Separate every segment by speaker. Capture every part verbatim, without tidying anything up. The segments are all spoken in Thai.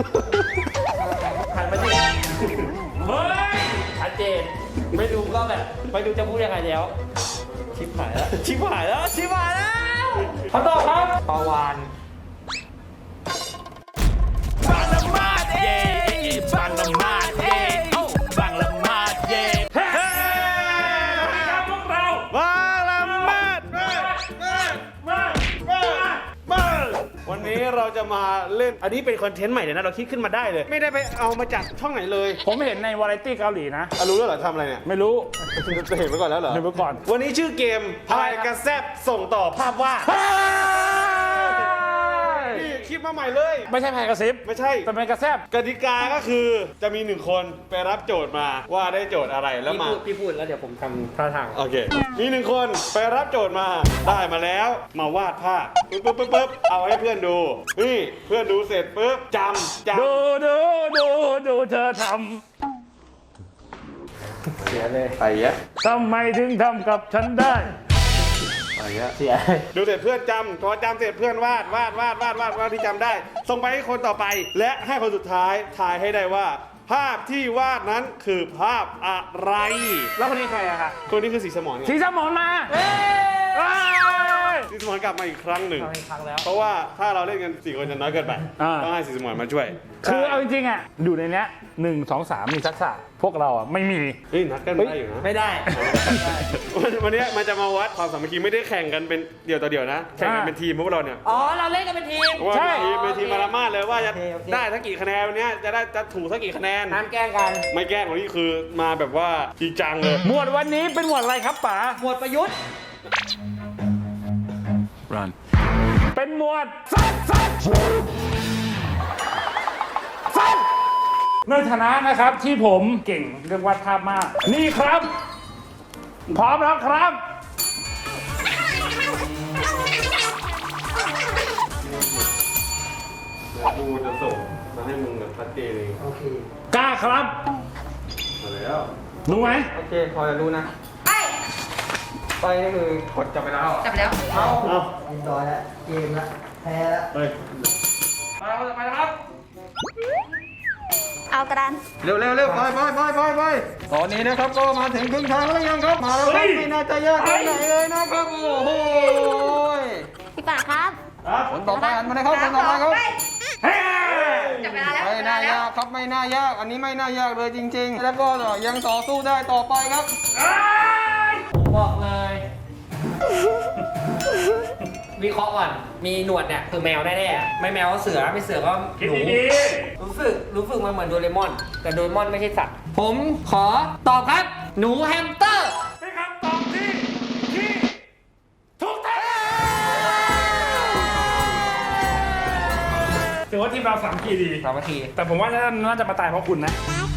Speaker 1: หันมาดิเฮ้ยชัดเจนไม่ดูก็แบบไม่ดูจะพูดยังไงแล้วชิบหายแล้วชิบหายแล้วชิบหายแล้วขอตอบครับปาวานบางละมาดเย่บางละมาดเย่บางละมาดเย่เฮ้พวกเราบางละมาดมามามาวันนี้เราจะมาเล่นอันนี้เป็นคอนเทนต์ใหม่เลยนะเราคิดขึ้นมาได้เลยไม่ได้ไปเอามาจากช่องไหนเลย
Speaker 2: ผมเห็นในวาไรตี้เกาหลีนะ
Speaker 1: รู้แล้วเหรอทำอะไรเนี่ย
Speaker 2: ไม่รู้
Speaker 1: จะเห็นไปก่อนแล้วเหรอ
Speaker 2: เห็นไปก่อน
Speaker 1: วันนี้ชื่อเกมทายกระแซบส่งต่อภาพวาดนี่คลิปมาใหม่เลย
Speaker 2: ไม่ใช่แพรกระซิบ
Speaker 1: ไม่ใช่
Speaker 2: แต่เป็นกระแซบ
Speaker 1: กติกาก็คือจะมีหนึ่งคนไปรับโจทย์มาว่าได้โจทย์อะไรแล้วมา
Speaker 3: พี่พูดแล้วเดี๋ยวผมทำท่าทาง
Speaker 1: โอเคมีหนึ่งคนไปรับโจทย์มาได้มาแล้วมาวาดภาพปึ๊บปึ๊บปึ๊บปึ๊บเอาให้เพื่อนดูนี่เพื่อนดูเสร็จปึ๊บจำจำ
Speaker 2: ดูดูดูดูเธอท
Speaker 3: เสียเลย
Speaker 1: ไปยะ
Speaker 2: ำทำไมถึงทำกับฉันได้
Speaker 1: ไปยะเสียดูเสร็จเพื่อนจำพอจำเสร็จเพื่อนวาดวาดวาดวาดวาดวาดที่จำได้ส่งไปให้คนต่อไปและให้คนสุดท้ายทายให้ได้ว่าภาพที่วาดนั้นคือภาพอะไร
Speaker 2: แล้วคนนี้ใครอะคะ
Speaker 1: คนนี้คือสีสมร
Speaker 2: สีสมรมา
Speaker 1: สีสมรกลับมาอีกครั้งหนึ่ง
Speaker 3: อีกครั้งแล้ว
Speaker 1: เพราะว่าถ้าเราเล่นกันสี่คนจะน้อยเกินไปต้องให้สีสมรมาช่วย
Speaker 2: คือเอาจริงๆอ่ะอยู่ในเนี้ยหนึ่งสองสามมีทักษะพวกเราอ่ะไม่มี
Speaker 1: เฮ้ยนัดกันไม่ได้อยู่นะ
Speaker 3: ไม่ได้
Speaker 1: วันนี้มันจะมาวัดความสามัคคีไม่ได้แข่งกันเป็นเดี่ยวต่อเดี่ยวนะแข่งกันเป็นทีมพวกเราเนี่ย
Speaker 3: อ๋อเราเล่นกันเป็นทีม
Speaker 1: ใช่เป็นทีมมารามาเลยว่าจะได้สักกี่คะแนนวันนี้จะได้จะถูกสักกี่คะแนน
Speaker 3: ห้ามแกล้งกัน
Speaker 1: ไม่แกล้งวันนี้คือมาแบบว่าจริงจังเลย
Speaker 2: หมวดวันนี้เป็นหมวดอะไรครับป๋า
Speaker 3: หมวดประยุทธ์
Speaker 2: Run เป็นหมวดซัดซัดซัดในฐานะนะครับที่ผมเก่งเรื่องวาดภาพมากนี่ครับพร้อมแล้วครับ
Speaker 1: ดูจะส่งมาให้มึงแบบชัดเจนเลย
Speaker 3: โอเค
Speaker 2: กล้าครับ
Speaker 1: มาแล้ว
Speaker 2: รู้ไหม
Speaker 3: โอเคพอจะรู้นะไปไปนี่คือกดจับไปแล้ว
Speaker 4: จับไปแล้ว
Speaker 3: เอาเอาเรียบร้อยแล้วเกมละแพ้ละ
Speaker 1: เฮ้ย
Speaker 3: ไปเราจะไปนะครับ
Speaker 4: เอากระดาน
Speaker 3: เร็วเร็วเร็วไปไปไปไปไปตอนนี้นะครับก็มาถึงครึ่งทางแล้วยังครับมาแล้วครับไม่น่าจะยากเท่าไหร่เลยนะครับโอ้โห
Speaker 4: พี่ป่าครับ
Speaker 3: คนต่อไปอันมาเลยครับคนต่อไปครับ
Speaker 4: จับเวลาแล้ว
Speaker 3: ไม่น่ายากครับไม่น่ายากอันนี้ไม่น่ายากเลยจริงๆแล้วก็ยังต่อสู้ได้ต่อไปครับผมบอกเลยวิเคราะห์ก่อนมีหนวดเนี่ยคือแมวแน่ๆไม่แมวก็เสือไม่เสือก็หนูรู้สึกรู้สึกมันเหมือนโดเรมอนแต่โดเรมอนไม่ใช่สัตว์ผมขอตอบครับหนูแฮมสเตอร์
Speaker 2: เป็นคำตอบที่ที่ถูกต้องถือว่าทีมเราสามทีดี
Speaker 3: สามที
Speaker 2: แต่ผมว่าน่าจะมาตายเพราะคุณนะ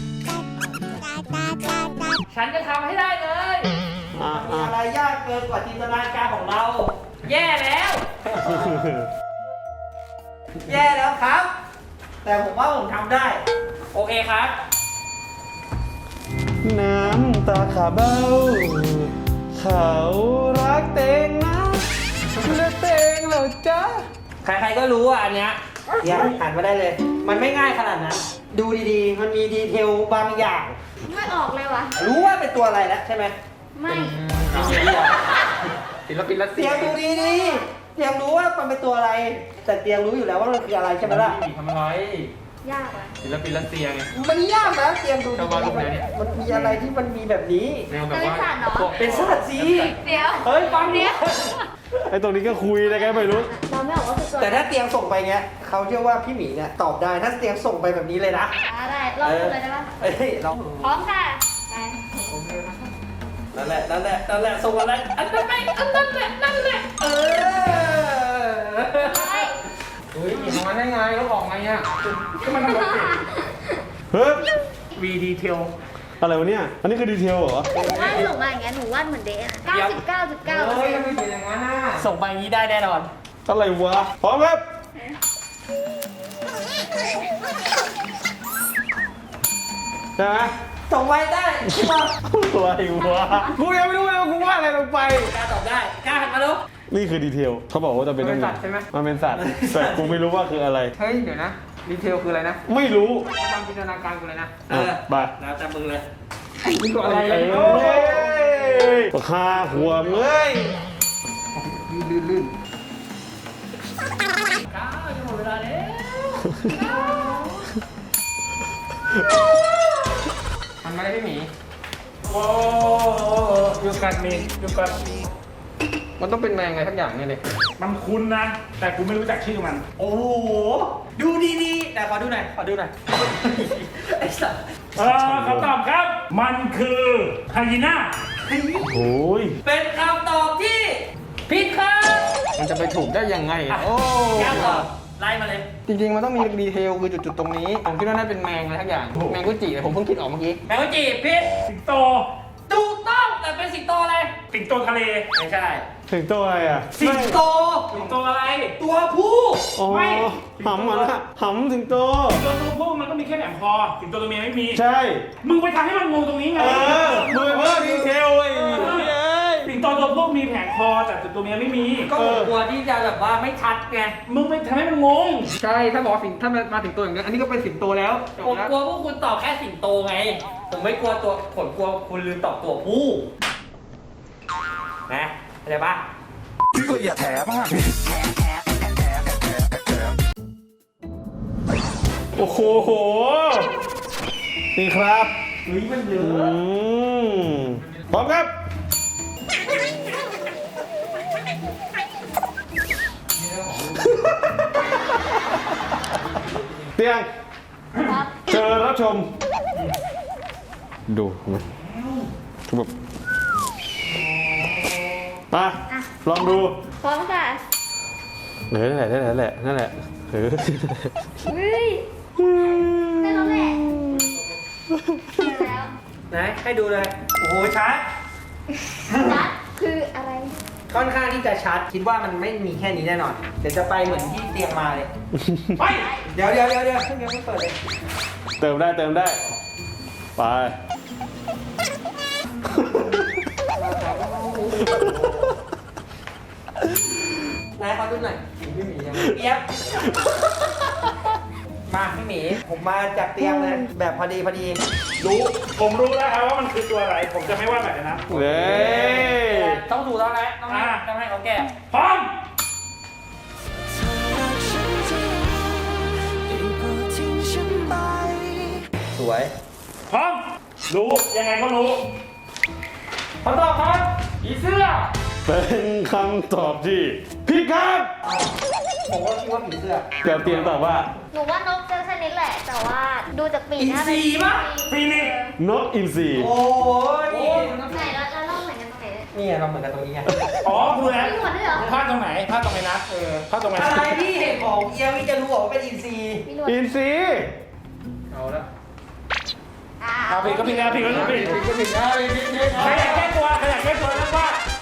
Speaker 3: ฉันจะทำให้ได้เลยมีอะไรยากเกินกว่าจินตนาการของเราแย่แล้ว แย่แล้วครับแต่ผมว่าผมทำได้โอเคครับ
Speaker 1: น้ำตาขาเบ้าเขารักเตงนะและเตงเหรอจ๊ะ
Speaker 3: ใครๆก็รู้อ่ะอันเนี้ยอย่าอ่านมาได้เลยมันไม่ง่ายขนาดนั้นดูดีๆมันมีดีเทลบางอย่าง
Speaker 4: ไม่ออกเลยวะ
Speaker 3: รู้ว่าเป็นตัวอะไรแล้วใช่ไหม
Speaker 4: ไม่
Speaker 3: ศิลปินรัสเซียดูดีๆเตรียมรู้ว่ามันเป็นตัวอะไรแต่เตรียมรู้อยู่แล้วว่ามันคืออะไรใช่ไหมล่ะ
Speaker 5: ทำอะไร
Speaker 4: ยากอ่ะ
Speaker 5: ศิลปินรัสเซียไง
Speaker 3: มันยากนะเตรียมดูดีๆมันมีอะไรที่มันมีแบบนี้
Speaker 5: แนวแบบว่า
Speaker 3: เป็นสัตว์สิ
Speaker 4: เดี๋ยว
Speaker 3: เฮ้ยฟังดิ
Speaker 1: ไอ้ตรงนี้ก็คุยอะไรกันไม่รู้
Speaker 4: เราไม่ออกว่าคือตัว
Speaker 3: แต่ถ้าเตียงส่งไปเงี้ยเขาเชื่อว่าพี่หมีเนี่ยตอบได้ถ้าเตียงส่งไปแบบนี้เลยนะ
Speaker 4: ได้ลองเลยได้ปะ
Speaker 3: เฮ้ยลอง
Speaker 4: พร้อมค่ะ
Speaker 3: นั่นแหละนั่นแหละนั่นแหละส่งอะไรอันนั้นไม่อันนั้นแหละนั่นแหละเออ
Speaker 5: เฮ้ยหยิบมาได้ไงแล้วออกไงอ่ะ
Speaker 2: ก็มันทำแบบ
Speaker 1: เฮ้ย
Speaker 2: วีดีเทล
Speaker 1: อะไรวะเนี่ยอันนี้คือดีเทลเหรอ
Speaker 4: ถ้าส่งมาอย่างเงี้ยหนูวาดเหมือนเดะเก้าสิบเก้าจุดเก้าเ
Speaker 5: ฮ้ยไม่เป็นอย่างนั้นนะ
Speaker 3: ส่งไปงี้ได้แน่นอน
Speaker 1: อะไรวะพร้อมครับใช่ไหม
Speaker 3: ส่งไปได้ใช่ป่ะ
Speaker 1: อะไรวะกูยังไม่รู้เลยว่ากูวาดอะไรลงไป
Speaker 3: กล้าตอบได้กล้าหันมาลูก
Speaker 6: นี่คือดีเทลเขาบอกว่าจะเป็น
Speaker 5: มันเป็นสัตว์ใช่ไหม
Speaker 6: มันเป็นสัตว์แต่กูไม่รู้ว่าคืออะไร
Speaker 5: เฮ้ย เดี๋ยวนะ ดีเทลคืออะไรนะ
Speaker 6: ไม่รู้
Speaker 5: ตามจินตนาการกูเลยนะ
Speaker 3: เออ
Speaker 6: ไป
Speaker 3: แล้วแต่มึงเลย
Speaker 5: นี่ตัวอะไร
Speaker 6: เอ้
Speaker 5: เนี่ย
Speaker 6: ยคาหัวเอ้ย
Speaker 5: ลื่นลื่น
Speaker 3: ก้าวจะหมดเวลาแล้ว
Speaker 5: มันไม่ได้พี่หมี
Speaker 2: โอ้ยูกัดมียูกัด
Speaker 5: มันต้องเป็นแมงอะไรทักอย่างเนี่ยเลย
Speaker 2: มันคุ้นนะ แต่กูไม่รู้จักชื่อมัน
Speaker 3: โอ้โห ดูดีๆแต่ขอดูหน่อย ขอดูหน่อย ไอ้สัส
Speaker 2: เออคำตอบครับ มันคือไฮยีน่า
Speaker 6: โอ้ย
Speaker 3: เป็นคำตอบที่ผิดครับ
Speaker 5: มันจะไปถูกได้ยังไง
Speaker 3: อ่ะ
Speaker 5: โอ้
Speaker 3: แก้วตอบไล่มาเลย
Speaker 5: จริงๆ มันต้องมีดีเทลคือจุดๆตรงนี้ ผมคิดว่าน่าเป็นแมงอะไรทักอย่าง แมงกุจิแต่ผมเพิ่งคิดออกเมื่อกี้
Speaker 3: แมวจีบผิด
Speaker 2: สิงโต
Speaker 3: ถูกต้องแต่เป็นสิงโตอะไร
Speaker 2: สิงโตทะเล
Speaker 3: ไม่ใช่
Speaker 6: ถึงตัวอะไรอ่ะ
Speaker 3: สิงโต
Speaker 2: สิงโตอะไร
Speaker 3: ตัวผู้
Speaker 6: อ๋อ
Speaker 2: ไม่
Speaker 6: หำเหรอนะหำถึงโต
Speaker 2: สิงโตตัวผู้มันก็มีแค่แหลมคอ สิงโตตัวเมียไม่มี
Speaker 6: ใช่
Speaker 2: มึงไปทำให้มันงงตรงนี้ไง
Speaker 6: เออมือเพิ่มดีเทลเว้ยเอ้ย
Speaker 2: สิงโตตัวผู้มีแผงคอแต่ตัวเมียไม่มี
Speaker 3: ก็ผมกลัวที่จะแบบว่าไม่ชัดไง
Speaker 2: มึงไปทำให้มันงง
Speaker 5: ใช่ ถ้าบอกว่าสิงถ้ามาถึงตัวอย่างนี้อันนี้ก็เป็นสิงโตแล้วจบ
Speaker 3: ผม
Speaker 5: แล้ว
Speaker 3: กลัวพวกคุณตอบแค่สิงโตไง ผมไม่กลัวตัวผมกลัวคุณลืมตอบตัวผู้นะเข้าใจปะ
Speaker 6: โอ้โห นี่ครับ
Speaker 3: เฮ้ยมันเย
Speaker 6: อื
Speaker 3: อะ
Speaker 6: มพร้อมครับ เตียง
Speaker 4: ครับ
Speaker 6: เจอรับชม ดูนะคือแบบมาลองดู
Speaker 4: พร้อมค่ะ
Speaker 6: เออนั่นแหละนั่นแหละนั่นแหละเออ
Speaker 4: เฮ้ยได้แล้วแหละได้แล้ว
Speaker 3: ไหนให้ดูเลย โอ้โหชัด
Speaker 4: นัดคืออะไร
Speaker 3: ค่อนข้างที่จะชัด คิดว่ามันไม่มีแค่นี้แน่นอน เดี๋ยวจะไปเหมือนที่เตรียมมาเลย
Speaker 2: ไป
Speaker 3: เดี๋ยวเดี๋ยวเดี๋ยวเดี๋ยวยังไม่เปิดเลย
Speaker 6: เติมได้เติมได้ ไป
Speaker 3: นายขอดูหน่อยพี่หมียังเปียบมาพี่หมี ผมมาจากเตียงเลย แบบพอดีพอดี
Speaker 2: รู้ ผมรู้แล้วครับว่ามันคือตัวอะไร ผมจะไม่ว่าแบบนั้น
Speaker 6: เฮ้ย
Speaker 3: ต้องถูกแล้วแหละต้องให้ต้องให้เขาแก้
Speaker 2: พร้อม
Speaker 3: สวย
Speaker 2: พร้อม รู้ ยังไงก็รู้
Speaker 3: คำตอบครับผีเสื้อ
Speaker 6: เป็นคำตอบที่ผิดครับ
Speaker 3: ผมก็คิดว่าผีเสื้อ
Speaker 6: เดี๋ยวเตียงตอบว่า
Speaker 4: หนูว่านกเจอชนิดแหละ แต่ว่าดูจากปีก
Speaker 3: อิน
Speaker 4: น่า
Speaker 3: ทรีปะ
Speaker 2: ฟีนิกซ์
Speaker 6: นกอินทรี
Speaker 3: โอ้ยนี่
Speaker 4: ไหนแล้วแล้วเล่าเหมือนกันตรงไหนเนี่ย
Speaker 3: นี่เราเหมือนกันตรงนี้ไง
Speaker 2: อ๋อคุณนะ
Speaker 4: มีหนวดด้วยเหรอ
Speaker 2: พลาดตรงไหนพลาดตรงไหนนะ เออพลาดตรงไหน
Speaker 3: อะไรพี่เห็นของเอียวิจะรู้ว่าเป็นอินทรี
Speaker 4: มีหนวด
Speaker 6: อินทรี
Speaker 5: เอาละ
Speaker 4: อ่า
Speaker 2: เอาผิดก็ผิดนะผิดก็ผิด
Speaker 5: ผิดก็ผิดนะผิดผิด
Speaker 2: ใครอยากแก้ตัวใครอยากแก้ตัวนะว่า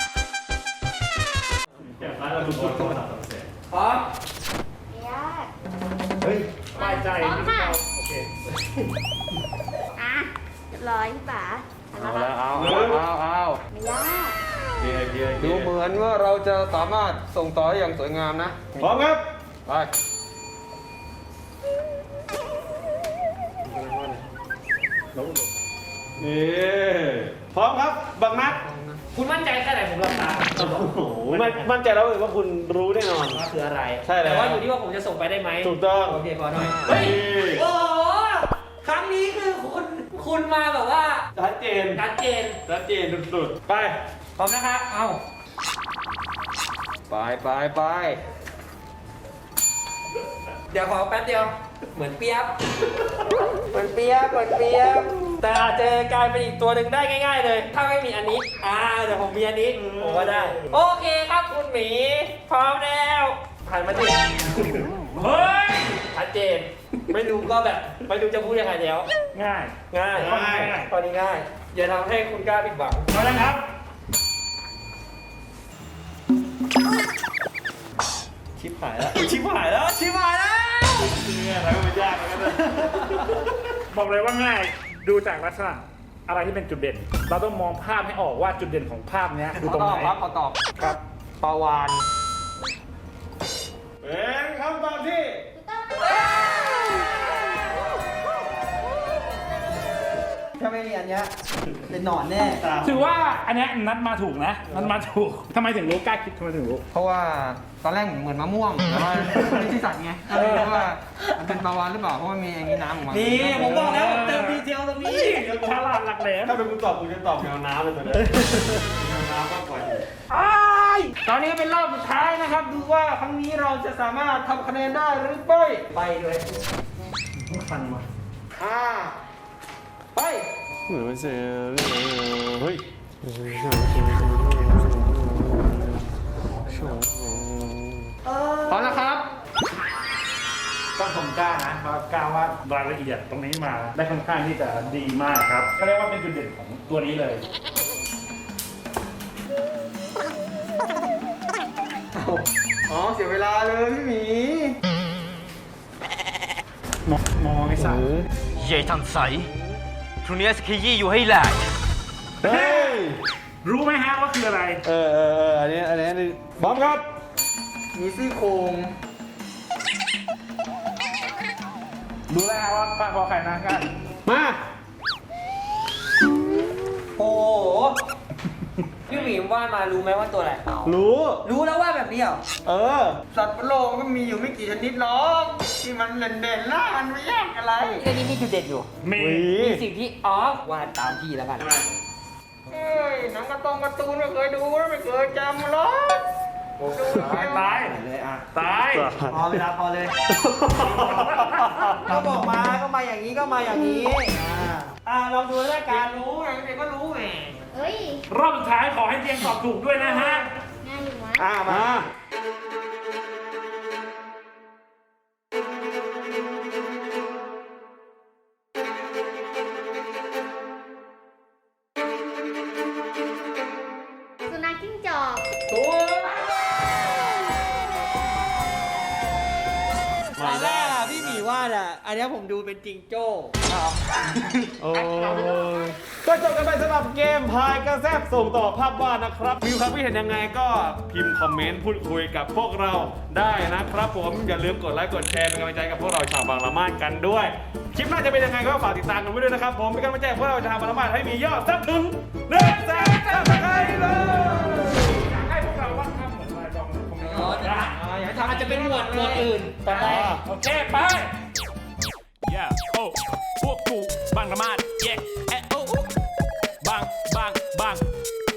Speaker 3: พร้อม
Speaker 4: ไม่ยาก
Speaker 2: เฮ้ยสบายใจ
Speaker 4: พร้อมค่ะ
Speaker 2: โอเค
Speaker 4: อ่ะเรียบร้อยพี่ป๋า
Speaker 5: เอาละเอาเอาเอาเอา
Speaker 4: ไม่ยาก
Speaker 5: ดูเหมือนว่าเราจะสามารถส่งต่อได้อย่างสวยงามนะ
Speaker 6: พร้อมครับ
Speaker 5: ไป
Speaker 6: นี่พร้อมครับ บังนัด
Speaker 3: คุณมั่นใจแค่ไหนผมรับตา
Speaker 6: โอ้โหมั่นมั่นใจแล้วเลยว่าคุณรู้แน่นอน
Speaker 3: ว่าคืออะไร
Speaker 6: ใช่แล้ว
Speaker 3: แต่ว่าอยู่ที่ว่าผมจะส่งไปได้ไหม
Speaker 6: ถูกต้อง
Speaker 3: โอเคขอหน่อย เฮ้ย โอ้โห ครั้งนี้คือคุณ คุณมาแบบว่า
Speaker 6: ชัดเจน
Speaker 3: ชัดเจน
Speaker 6: ชัดเจนสุดๆ ไป
Speaker 3: พร้อมนะครับ เอ้า
Speaker 5: ไปไปไป
Speaker 3: เดี๋ยวขอแป๊บเดียว เหมือนเปียบ เหมือนเปียบ เหมือนเปียบ แต่อาจจะกลายเป็นอีกตัวหนึ่งได้ง่าย ๆ เลย ถ้าไม่มีอันนี้ อ่าเดี๋ยวผมมีอันนี้ ผมว่าได้ โอเคครับคุณหมี พร้อมแล้วหันมาดิ
Speaker 2: เฮ้ย
Speaker 3: ชัดเจน ไม่รู้ก็แบบ ไม่รู้จะพูดยังไงแล้ว
Speaker 2: ง่าย
Speaker 3: ง่าย
Speaker 2: ง่าย
Speaker 3: ตอนนี้ง่าย อย่าทำให้คุณกล้าผิดหวัง
Speaker 2: มาแล้วครับ
Speaker 3: ชิบหายแล้ว ชิบหายแล้ว ชิบหายแล้ว
Speaker 2: เนี่ยอะไรก็ไม่ยากแล้วกันนะบอกเลยว่าง่าย ดูจากลักษณะอะไรที่เป็นจุดเด่น เราต้องมองภาพให้ออกว่าจุดเด่นของภาพเนี้ยคือ
Speaker 5: ข
Speaker 2: ต
Speaker 5: อ
Speaker 2: รง
Speaker 5: ต
Speaker 2: ไห
Speaker 5: อบ
Speaker 2: น
Speaker 5: ครับขอตอบ
Speaker 2: ครับ
Speaker 5: ปปลาวาน
Speaker 1: เป็นคำตอบที่
Speaker 5: ถ้าไม่มีอันเนี้ยเป็นหนอนแน่
Speaker 2: ถือว่าอันเนี้ยนัดมาถูกนะนัดมาถูกทำไมถึงรู้กล้าคิดทำไมถึงรู้
Speaker 5: เพราะว่าตอนแรกเหมือนมะม่วงแต่ว่าไม่ใช่สัตว์ไงก็เลยรู้ว่ามันเป็นปลาวานหรือเปล่าเพราะว่ามีไอ้นี้น้ำออกมา
Speaker 3: นี่ผมบอกแล้วเติมดีเทลตรงนี้
Speaker 2: ฉลาดหลักแหลม
Speaker 1: ถ้าเป็นกูตอบกูจะตอบแมวน้ำเลยตัวเนี้ยแมวน้ำก็ปล่อย
Speaker 5: อ้ายตอนนี้เป็นรอบสุดท้ายนะครับ ดูว่าครั้งนี้เราจะสามารถทำคะแนนได้หรือไม่ไปเลย
Speaker 2: ฟันมา
Speaker 5: ห้าไป
Speaker 6: เหมือนไม่ใช่เฮ้ย
Speaker 5: พร้อมแล้วครับ
Speaker 2: ต้องชมกล้านะเพราะกล้าว่ารายละเอียดตรงนี้มาได้ค่อนข้างที่จะดีมากครับก็เรียกว่าเป็นจุดเด่นของตัวนี้เลย
Speaker 5: อ๋อเสียเวลาเลยพี่หมี
Speaker 2: มองมองไอ้สัตว์
Speaker 7: ใหญ่ทางใสพรุ่งนี้สกียี่อยู่ให้แหลก
Speaker 6: เฮ้ย
Speaker 2: รู้ไหมฮะว่าคืออะไร
Speaker 6: เออเออเอออันนี้อันนี้อันนี้พร้อมครับ
Speaker 5: มีซี่โครง
Speaker 2: รู้แล้วฮะว่าป้าพอใครนะกัน
Speaker 6: มา
Speaker 3: โอ้โหพี่หมีวาดมารู้ไหมว่าตัวอะไร
Speaker 6: รู้
Speaker 3: รู้แล้วว่าแบบนี้เหรอ
Speaker 6: เออ
Speaker 5: สัตว์บนโลกก็มีอยู่ไม่กี่ชนิดหรอกที่มันเด่นๆล่ามันไม่ยากอะไร
Speaker 3: เรื่องนี้มีจุดเด่นอยู่
Speaker 2: มี
Speaker 3: มีสิ่งที่อ๋อวาดตามพี่แล้วกัน
Speaker 5: เอ้ยหนังการ์ตูนการ์ตูนไม่เคยดูไม่เคยจำหรอก
Speaker 2: ตายตาย
Speaker 5: เลยอ่ะ
Speaker 2: ตาย
Speaker 5: พอเวลาพอเลย
Speaker 3: ก็บอกมาก็มาอย่างนี้ก็มาอย่างนี้ อ่าลองดูแล้วกัน
Speaker 5: รู้ไงเด็กก็รู้ไง
Speaker 4: เฮ้ย
Speaker 2: รอบสุดท้ายขอให้เตียงตอบถูกด้วยนะฮะ
Speaker 4: ง่ายอยู่วะ
Speaker 5: อ่ามา
Speaker 6: มา
Speaker 4: สุนัขจิ้งจอก
Speaker 5: ถูก
Speaker 3: ตอนแรกอ่ะพี่หมีวาดอ่ะ อันนี้ผมดูเป็นจิงโจ้
Speaker 6: โอ้ย
Speaker 1: ก็จบกันไปสำหรับเกมพายกระแซบส่งต่อภาพวาดนะครับมีความคิดเห็นยังไงก็พิมพ์คอมเมนต์พูดคุยกับพวกเราได้นะครับผมอย่าลืมกดไลค์กดแชร์เป็นกำลังใจกับพวกเราชาวบางละมาดกันด้วย คลิปหน้าจะเป็นยังไงก็ฝากติดตามกันไว้ด้วยนะครับผมเป็นกำลังใจให้พวกเราชาวบางละมาดให้มียอดสักถึงหนึ่งแสนซับสไครต์เลย
Speaker 2: อยากให้พวกเราวาดภาพเหมือนอะไรลองคอมเมนต์มาได้
Speaker 3: อาจจะเป็นหมวดหมวดอื่นแต่ไป
Speaker 2: โอเค ไป
Speaker 1: Yeah, oh, พวกกูบางละมาด yeah